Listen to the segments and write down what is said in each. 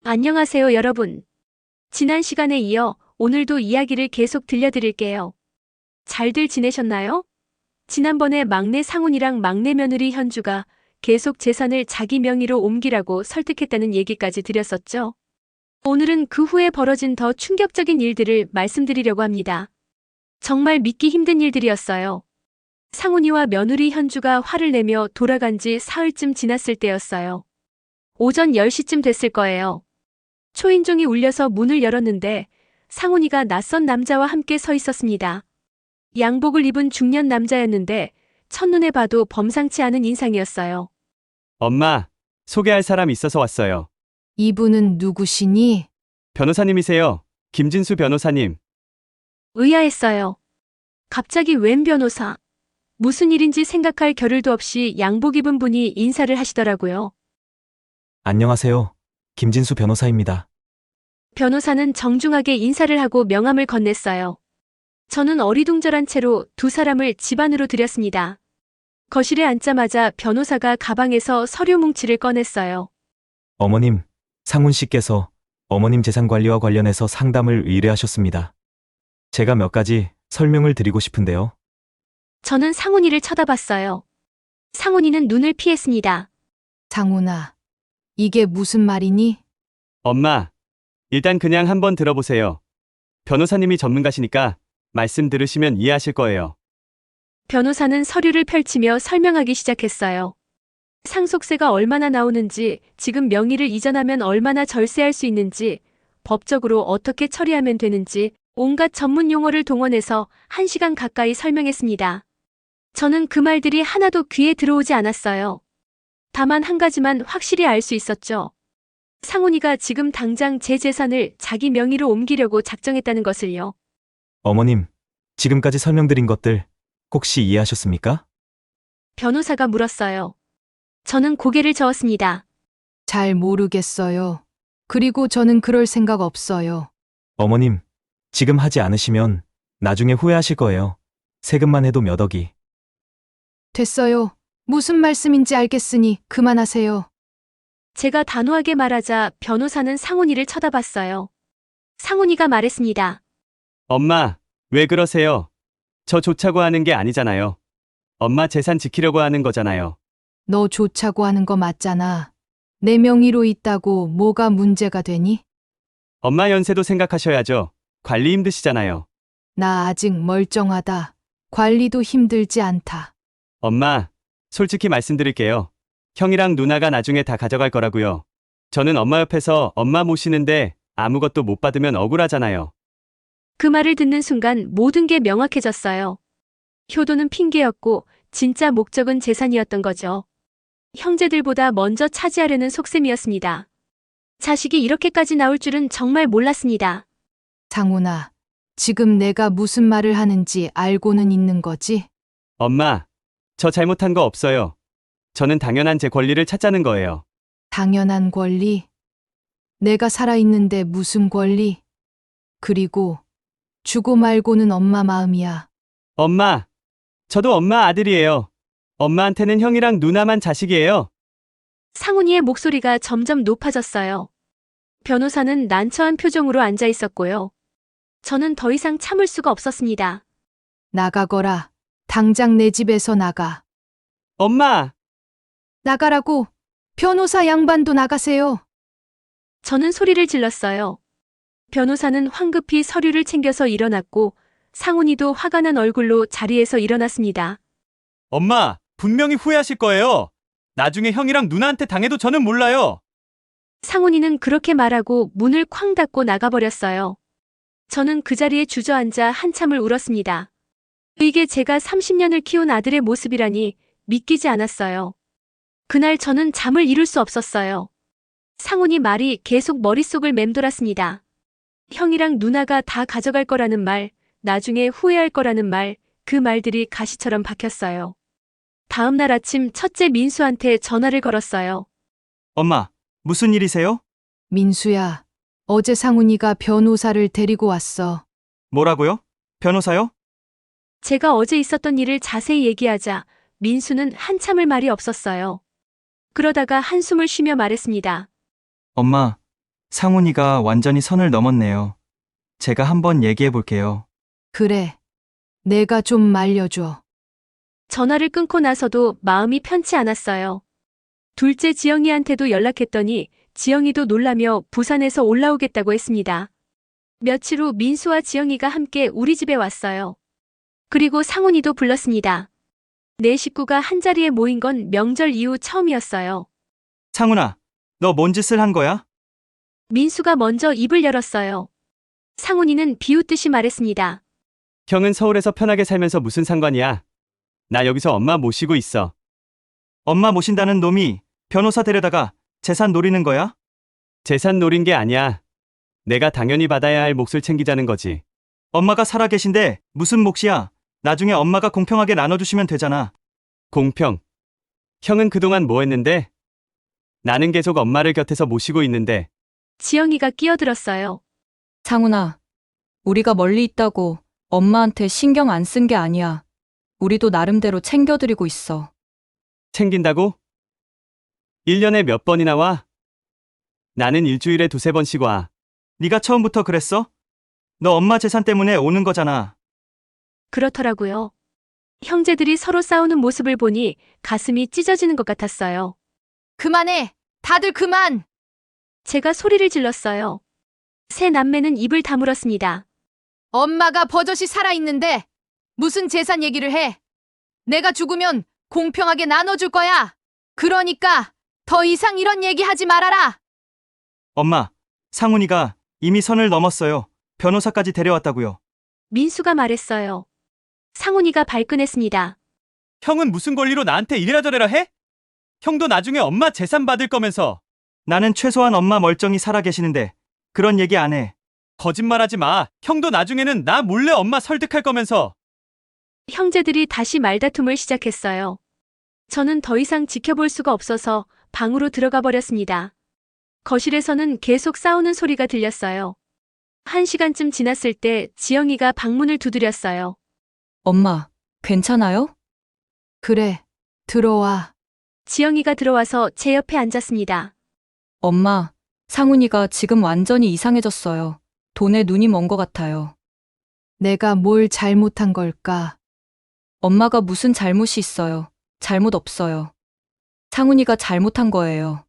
안녕하세요, 여러분. 지난 시간에 이어 오늘도 이야기를 계속 들려드릴게요. 잘들 지내셨나요? 지난번에 막내 상훈이랑 막내 며느리 현주가 계속 재산을 자기 명의로 옮기라고 설득했다는 얘기까지 드렸었죠. 오늘은 그 후에 벌어진 더 충격적인 일들을 말씀드리려고 합니다. 정말 믿기 힘든 일들이었어요. 상훈이와 며느리 현주가 화를 내며 돌아간 지 사흘쯤 지났을 때였어요. 오전 10시쯤 됐을 거예요. 초인종이 울려서 문을 열었는데 상훈이가 낯선 남자와 함께 서 있었습니다. 양복을 입은 중년 남자였는데 첫눈에 봐도 범상치 않은 인상이었어요. 엄마, 소개할 사람 있어서 왔어요. 이분은 누구시니? 변호사님이세요. 김진수 변호사님. 의아했어요. 갑자기 웬 변호사? 무슨 일인지 생각할 겨를도 없이 양복 입은 분이 인사를 하시더라고요. 안녕하세요. 김진수 변호사입니다. 변호사는 정중하게 인사를 하고 명함을 건넸어요. 저는 어리둥절한 채로 두 사람을 집 안으로 들였습니다. 거실에 앉자마자 변호사가 가방에서 서류 뭉치를 꺼냈어요. 어머님, 상훈 씨께서 어머님 재산 관리와 관련해서 상담을 의뢰하셨습니다. 제가 몇 가지 설명을 드리고 싶은데요. 저는 상훈이를 쳐다봤어요. 상훈이는 눈을 피했습니다. 상훈아, 이게 무슨 말이니? 엄마, 일단 그냥 한번 들어보세요. 변호사님이 전문가시니까 말씀 들으시면 이해하실 거예요. 변호사는 서류를 펼치며 설명하기 시작했어요. 상속세가 얼마나 나오는지, 지금 명의를 이전하면 얼마나 절세할 수 있는지, 법적으로 어떻게 처리하면 되는지, 온갖 전문 용어를 동원해서 1시간 가까이 설명했습니다. 저는 그 말들이 하나도 귀에 들어오지 않았어요. 다만 한 가지만 확실히 알 수 있었죠. 상훈이가 지금 당장 제 재산을 자기 명의로 옮기려고 작정했다는 것을요. 어머님, 지금까지 설명드린 것들 혹시 이해하셨습니까? 변호사가 물었어요. 저는 고개를 저었습니다. 잘 모르겠어요. 그리고 저는 그럴 생각 없어요. 어머님, 지금 하지 않으시면 나중에 후회하실 거예요. 세금만 해도 몇 억이. 됐어요. 무슨 말씀인지 알겠으니 그만하세요. 제가 단호하게 말하자 변호사는 상훈이를 쳐다봤어요. 상훈이가 말했습니다. 엄마, 왜 그러세요? 저 좋자고 하는 게 아니잖아요. 엄마 재산 지키려고 하는 거잖아요. 너 좋자고 하는 거 맞잖아. 내 명의로 있다고 뭐가 문제가 되니? 엄마 연세도 생각하셔야죠. 관리 힘드시잖아요. 나 아직 멀쩡하다. 관리도 힘들지 않다. 엄마, 솔직히 말씀드릴게요. 형이랑 누나가 나중에 다 가져갈 거라고요. 저는 엄마 옆에서 엄마 모시는데 아무것도 못 받으면 억울하잖아요. 그 말을 듣는 순간 모든 게 명확해졌어요. 효도는 핑계였고 진짜 목적은 재산이었던 거죠. 형제들보다 먼저 차지하려는 속셈이었습니다. 자식이 이렇게까지 나올 줄은 정말 몰랐습니다. 상훈아, 지금 내가 무슨 말을 하는지 알고는 있는 거지? 엄마, 저 잘못한 거 없어요. 저는 당연한 제 권리를 찾자는 거예요. 당연한 권리? 내가 살아있는데 무슨 권리? 그리고 주고 말고는 엄마 마음이야. 엄마, 저도 엄마 아들이에요. 엄마한테는 형이랑 누나만 자식이에요. 상훈이의 목소리가 점점 높아졌어요. 변호사는 난처한 표정으로 앉아 있었고요. 저는 더 이상 참을 수가 없었습니다. 나가거라. 당장 내 집에서 나가. 엄마! 나가라고. 변호사 양반도 나가세요. 저는 소리를 질렀어요. 변호사는 황급히 서류를 챙겨서 일어났고 상훈이도 화가 난 얼굴로 자리에서 일어났습니다. 엄마, 분명히 후회하실 거예요. 나중에 형이랑 누나한테 당해도 저는 몰라요. 상훈이는 그렇게 말하고 문을 쾅 닫고 나가버렸어요. 저는 그 자리에 주저앉아 한참을 울었습니다. 이게 제가 30년을 키운 아들의 모습이라니 믿기지 않았어요. 그날 저는 잠을 이룰 수 없었어요. 상훈이 말이 계속 머릿속을 맴돌았습니다. 형이랑 누나가 다 가져갈 거라는 말, 나중에 후회할 거라는 말, 그 말들이 가시처럼 박혔어요. 다음 날 아침 첫째 민수한테 전화를 걸었어요. 엄마, 무슨 일이세요? 민수야, 어제 상훈이가 변호사를 데리고 왔어. 뭐라고요? 변호사요? 제가 어제 있었던 일을 자세히 얘기하자 민수는 한참을 말이 없었어요. 그러다가 한숨을 쉬며 말했습니다. 엄마, 상훈이가 완전히 선을 넘었네요. 제가 한번 얘기해 볼게요. 그래. 내가 좀 말려줘. 전화를 끊고 나서도 마음이 편치 않았어요. 둘째 지영이한테도 연락했더니 지영이도 놀라며 부산에서 올라오겠다고 했습니다. 며칠 후 민수와 지영이가 함께 우리 집에 왔어요. 그리고 상훈이도 불렀습니다. 네 식구가 한자리에 모인 건 명절 이후 처음이었어요. 상훈아, 너 뭔 짓을 한 거야? 민수가 먼저 입을 열었어요. 상훈이는 비웃듯이 말했습니다. 형은 서울에서 편하게 살면서 무슨 상관이야? 나 여기서 엄마 모시고 있어. 엄마 모신다는 놈이 변호사 데려다가 재산 노리는 거야? 재산 노린 게 아니야. 내가 당연히 받아야 할 몫을 챙기자는 거지. 엄마가 살아 계신데 무슨 몫이야? 나중에 엄마가 공평하게 나눠주시면 되잖아. 공평. 형은 그동안 뭐 했는데? 나는 계속 엄마를 곁에서 모시고 있는데. 지영이가 끼어들었어요. 상훈아, 우리가 멀리 있다고 엄마한테 신경 안 쓴 게 아니야. 우리도 나름대로 챙겨드리고 있어. 챙긴다고? 1년에 몇 번이나 와? 나는 일주일에 2~3번씩 와. 네가 처음부터 그랬어? 너 엄마 재산 때문에 오는 거잖아. 그렇더라고요. 형제들이 서로 싸우는 모습을 보니 가슴이 찢어지는 것 같았어요. 그만해. 다들 그만. 제가 소리를 질렀어요. 새 남매는 입을 다물었습니다. 엄마가 버젓이 살아있는데 무슨 재산 얘기를 해? 내가 죽으면 공평하게 나눠줄 거야. 그러니까 더 이상 이런 얘기 하지 말아라. 엄마, 상훈이가 이미 선을 넘었어요. 변호사까지 데려왔다고요. 민수가 말했어요. 상훈이가 발끈했습니다. 형은 무슨 권리로 나한테 이래라 저래라 해? 형도 나중에 엄마 재산 받을 거면서. 나는 최소한 엄마 멀쩡히 살아 계시는데 그런 얘기 안 해. 거짓말하지 마. 형도 나중에는 나 몰래 엄마 설득할 거면서. 형제들이 다시 말다툼을 시작했어요. 저는 더 이상 지켜볼 수가 없어서 방으로 들어가 버렸습니다. 거실에서는 계속 싸우는 소리가 들렸어요. 1시간쯤 지났을 때 지영이가 방문을 두드렸어요. 엄마, 괜찮아요? 그래. 들어와. 지영이가 들어와서 제 옆에 앉았습니다. 엄마, 상훈이가 지금 완전히 이상해졌어요. 돈에 눈이 먼 것 같아요. 내가 뭘 잘못한 걸까? 엄마가 무슨 잘못이 있어요. 잘못 없어요. 상훈이가 잘못한 거예요.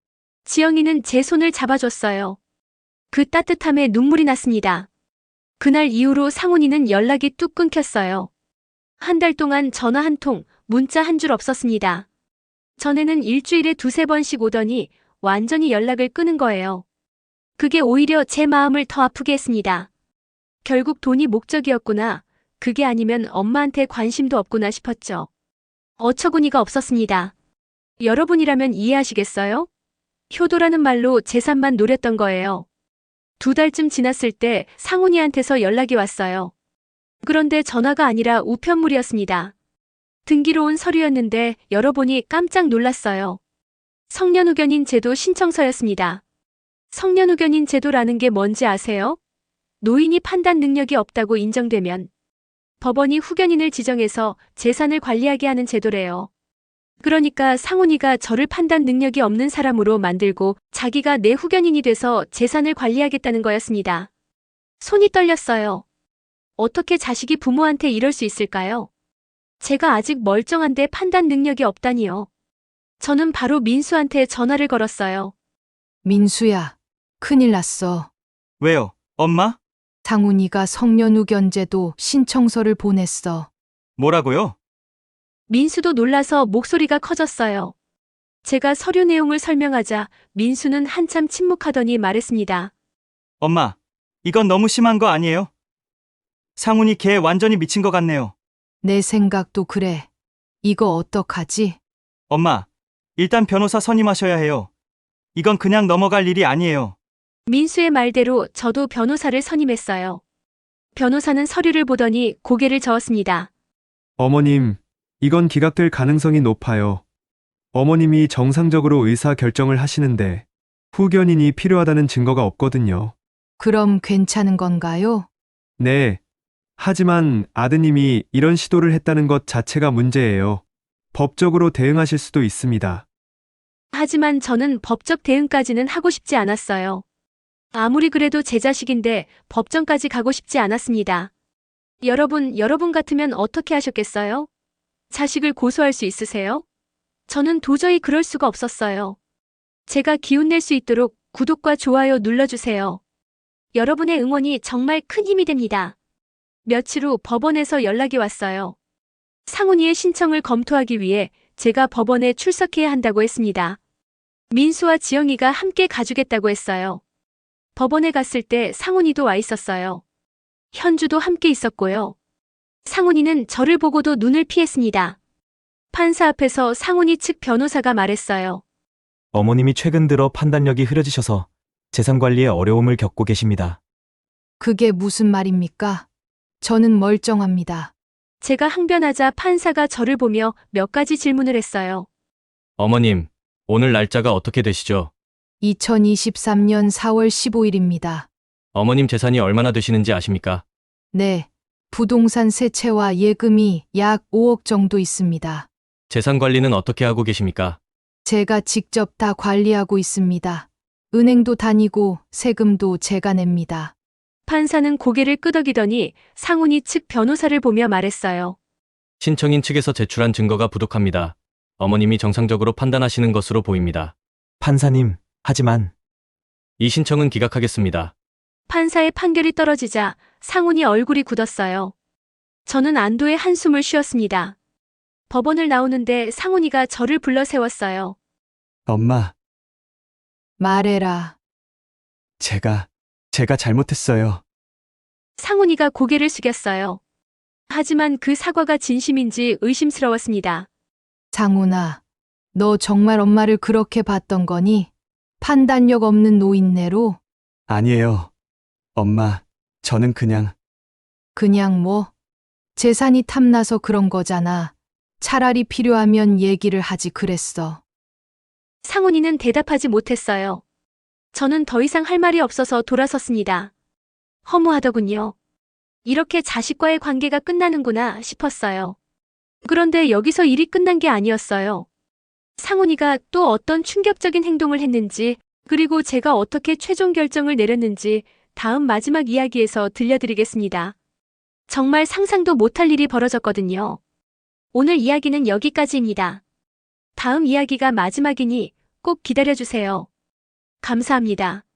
지영이는 제 손을 잡아줬어요. 그 따뜻함에 눈물이 났습니다. 그날 이후로 상훈이는 연락이 뚝 끊겼어요. 한 달 동안 전화 한 통, 문자 한 줄 없었습니다. 전에는 일주일에 2~3번씩 오더니 완전히 연락을 끊은 거예요. 그게 오히려 제 마음을 더 아프게 했습니다. 결국 돈이 목적이었구나. 그게 아니면 엄마한테 관심도 없구나 싶었죠. 어처구니가 없었습니다. 여러분이라면 이해하시겠어요? 효도라는 말로 재산만 노렸던 거예요. 2달쯤 지났을 때 상훈이한테서 연락이 왔어요. 그런데 전화가 아니라 우편물이었습니다. 등기로 온 서류였는데 열어보니 깜짝 놀랐어요. 성년후견인 제도 신청서였습니다. 성년후견인 제도라는 게 뭔지 아세요? 노인이 판단 능력이 없다고 인정되면 법원이 후견인을 지정해서 재산을 관리하게 하는 제도래요. 그러니까 상훈이가 저를 판단 능력이 없는 사람으로 만들고 자기가 내 후견인이 돼서 재산을 관리하겠다는 거였습니다. 손이 떨렸어요. 어떻게 자식이 부모한테 이럴 수 있을까요? 제가 아직 멀쩡한데 판단 능력이 없다니요. 저는 바로 민수한테 전화를 걸었어요. 민수야. 큰일 났어. 왜요? 엄마? 상훈이가 성년후견제도 신청서를 보냈어. 뭐라고요? 민수도 놀라서 목소리가 커졌어요. 제가 서류 내용을 설명하자 민수는 한참 침묵하더니 말했습니다. 엄마, 이건 너무 심한 거 아니에요? 상훈이 걔 완전히 미친 것 같네요. 내 생각도 그래. 이거 어떡하지? 엄마, 일단 변호사 선임하셔야 해요. 이건 그냥 넘어갈 일이 아니에요. 민수의 말대로 저도 변호사를 선임했어요. 변호사는 서류를 보더니 고개를 저었습니다. 어머님, 이건 기각될 가능성이 높아요. 어머님이 정상적으로 의사 결정을 하시는데 후견인이 필요하다는 증거가 없거든요. 그럼 괜찮은 건가요? 네. 하지만 아드님이 이런 시도를 했다는 것 자체가 문제예요. 법적으로 대응하실 수도 있습니다. 하지만 저는 법적 대응까지는 하고 싶지 않았어요. 아무리 그래도 제 자식인데 법정까지 가고 싶지 않았습니다. 여러분 같으면 어떻게 하셨겠어요? 자식을 고소할 수 있으세요? 저는 도저히 그럴 수가 없었어요. 제가 기운낼 수 있도록 구독과 좋아요 눌러주세요. 여러분의 응원이 정말 큰 힘이 됩니다. 며칠 후 법원에서 연락이 왔어요. 상훈이의 신청을 검토하기 위해 제가 법원에 출석해야 한다고 했습니다. 민수와 지영이가 함께 가주겠다고 했어요. 법원에 갔을 때 상훈이도 와 있었어요. 현주도 함께 있었고요. 상훈이는 저를 보고도 눈을 피했습니다. 판사 앞에서 상훈이 측 변호사가 말했어요. 어머님이 최근 들어 판단력이 흐려지셔서 재산 관리에 어려움을 겪고 계십니다. 그게 무슨 말입니까? 저는 멀쩡합니다. 제가 항변하자 판사가 저를 보며 몇 가지 질문을 했어요. 어머님, 오늘 날짜가 어떻게 되시죠? 2023년 4월 15일입니다. 어머님 재산이 얼마나 되시는지 아십니까? 네. 부동산 세채와 예금이 약 5억 정도 있습니다. 재산 관리는 어떻게 하고 계십니까? 제가 직접 다 관리하고 있습니다. 은행도 다니고 세금도 제가 냅니다. 판사는 고개를 끄덕이더니 상훈이 측 변호사를 보며 말했어요. 신청인 측에서 제출한 증거가 부족합니다. 어머님이 정상적으로 판단하시는 것으로 보입니다. 판사님, 하지만 이 신청은 기각하겠습니다. 판사의 판결이 떨어지자 상훈이 얼굴이 굳었어요. 저는 안도의 한숨을 쉬었습니다. 법원을 나오는데 상훈이가 저를 불러 세웠어요. 엄마, 말해라. 제가 잘못했어요. 상훈이가 고개를 숙였어요. 하지만 그 사과가 진심인지 의심스러웠습니다. 상훈아, 너 정말 엄마를 그렇게 봤던 거니? 판단력 없는 노인네로? 아니에요. 엄마, 저는 그냥 그냥 뭐? 재산이 탐나서 그런 거잖아. 차라리 필요하면 얘기를 하지 그랬어. 상훈이는 대답하지 못했어요. 저는 더 이상 할 말이 없어서 돌아섰습니다. 허무하더군요. 이렇게 자식과의 관계가 끝나는구나 싶었어요. 그런데 여기서 일이 끝난 게 아니었어요. 상훈이가 또 어떤 충격적인 행동을 했는지, 그리고 제가 어떻게 최종 결정을 내렸는지 다음 마지막 이야기에서 들려드리겠습니다. 정말 상상도 못할 일이 벌어졌거든요. 오늘 이야기는 여기까지입니다. 다음 이야기가 마지막이니 꼭 기다려주세요. 감사합니다.